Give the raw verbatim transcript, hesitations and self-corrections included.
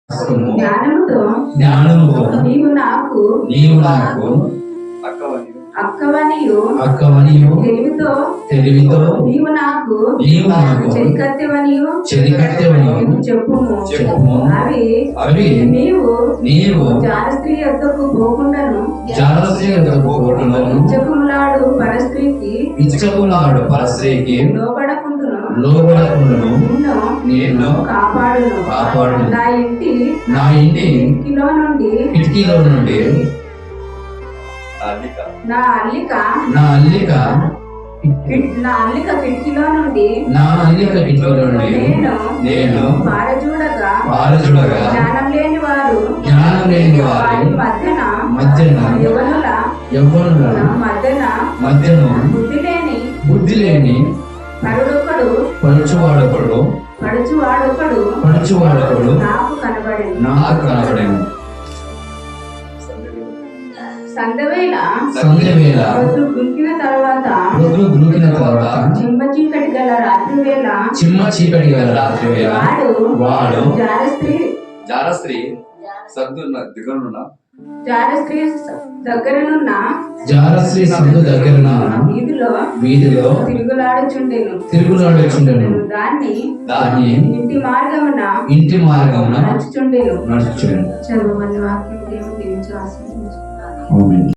జ్ఞానముతో జ్ఞానముతో నీవు నాకు నీవు నాకు అక్కవనియు అక్కవనియు తెలివితో తెలివితో నీవు నాకు నీవు నాకు చెరికత్తెవనియు చెరికత్తెవనియు చెప్పుము చెప్పుము. అవి అవి నీవు నీవు జారస్త్రీ యొద్దకు పోకుండాను జాలస్త్రీ యొద్దకు పోకుండాను ఇచ్చకుములాడు పరస్త్రీకి ఇచ్చకులాడు పరస్త్రీకి లోబడకుండును లోబడకుండును నిన్ను నేను కాపాడును కాపాడును. నా ఇంటి నా ఇంటి కిలో నుండి కిటికీలో నుండి నా అల్లిక నా అల్లిక నా అల్లిక కిటికీలో నుండి నా అల్లిక కిటికీలో నుండి నేను నేను పారజూడగా పారజుడగా జ్ఞానం లేని వారు జ్ఞానం లేని వారి వారి మధ్యన మధ్యన యువనుల యవ్వనుల మధ్యన మధ్యను బుద్ధి లేని బుద్ధి లేని పరుడొకడు పడుచువాడొకడు పడుచు వాడొకడు పడుచువాడొకడు నాకు కనబడేది నాకు కనబడెను. సందవేళ సంధ్యవేళ రోజు గుంకిన తర్వాత రోజు గురుకిన తర్వాత చిమ్మ చీకటి గల రాత్రి వేళ చిమ్మ చీకటి గల రాత్రి వేళ వాడు వాడు జారస్త్రీ జారస్త్రీ సద్దున్న దిగునున్న జారస్త్రీ దగ్గరనున్న జారశ్రీ సందు దగ్గర వీధిలో వీధిలో తిరుగులాడుచుండెను తిరుగులాడుచుండెను. దాన్ని దాన్ని ఇంటి మార్గమున ఇంటి మార్గమున నడుచుచుండెను. నడుచుచుండెను. చదువు వాక్యం దేవుడు దీవించి ఆశీర్వదించు. ఆమేన్.